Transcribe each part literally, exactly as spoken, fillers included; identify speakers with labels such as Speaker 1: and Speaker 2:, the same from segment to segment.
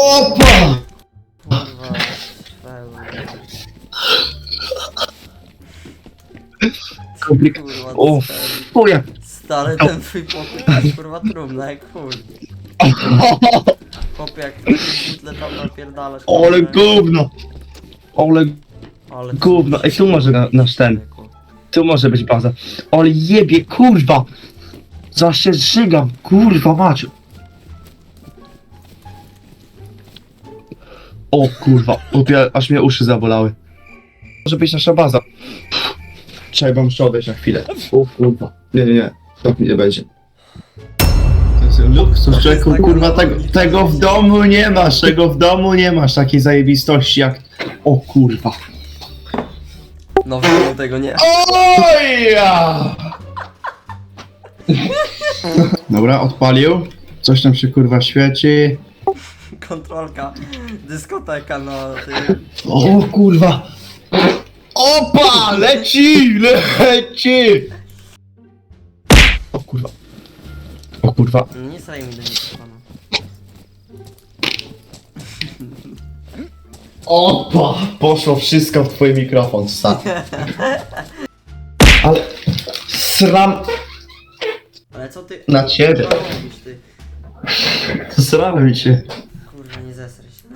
Speaker 1: Opa!
Speaker 2: Kurwa, pełno.
Speaker 1: Komplik...
Speaker 2: Kurwa,
Speaker 1: O,
Speaker 2: stary.
Speaker 1: chuja!
Speaker 2: Stary, ten twój pokój to jest kurwa trumna, jak chuj. Chłopie, jak takie butle tam napierdalasz.
Speaker 1: Ole
Speaker 2: kurwa,
Speaker 1: gówno! Ole
Speaker 2: Ale
Speaker 1: gówno! Ej, tu może na, nasz ten. Tu może być baza. Ale jebie, kurwa! Za się zżygam, kurwa Maciu! O kurwa, opie, aż mnie uszy zabolały. Może być nasza baza. Trzeba muszę odejść na chwilę. O kurwa. Nie, nie, nie. To nie będzie. To jest luksus, człowieku, kurwa, tego, tego w domu nie masz, tego w domu nie masz takiej zajebistości jak... O kurwa.
Speaker 2: No wiadomo tego nie.
Speaker 1: Oja! Dobra, odpalił. Coś tam się kurwa świeci.
Speaker 2: Kontrolka, dyskoteka na tym.
Speaker 1: O kurwa! Opa! Leci! Leci! O kurwa. O kurwa.
Speaker 2: Nie straj mi do niego pana.
Speaker 1: Opa! Poszło wszystko w twój mikrofon, stary. Ale... Sram...
Speaker 2: Ale co ty?
Speaker 1: Na ciebie.
Speaker 2: Co robisz ty?
Speaker 1: Srałem się.
Speaker 2: Kurwa, nie zesraj się.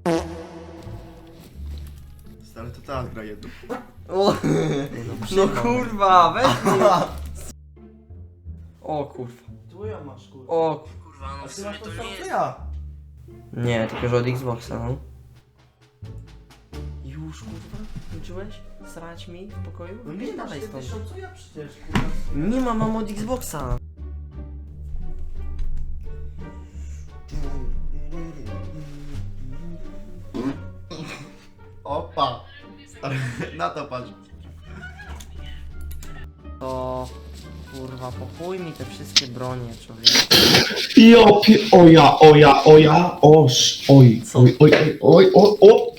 Speaker 3: Stary, to teraz gra jedno.
Speaker 2: O, no kurwa, weź mnie. O kurwa.
Speaker 3: Tu ja masz, kurwa.
Speaker 2: O kurwa, no
Speaker 3: A ty masz to samo co ja.
Speaker 2: Nie, tylko że od Xboxa, no. Już kurwa? Skończyłeś? Srać mi w pokoju?
Speaker 3: No
Speaker 2: Idź
Speaker 3: nie masz
Speaker 2: dalej
Speaker 3: ty
Speaker 2: stąd.
Speaker 3: tysiąc co ja przecież, kurwa.
Speaker 2: Nie ma, mam od Xboxa.
Speaker 3: Opa! Stary, na to patrz.
Speaker 2: To kurwa, pochuj mi te wszystkie bronie, człowieku.
Speaker 1: Jopie, oja, oja, oja, oż, oj,
Speaker 2: Co?
Speaker 1: oj, oj, oj, oj, oj, o,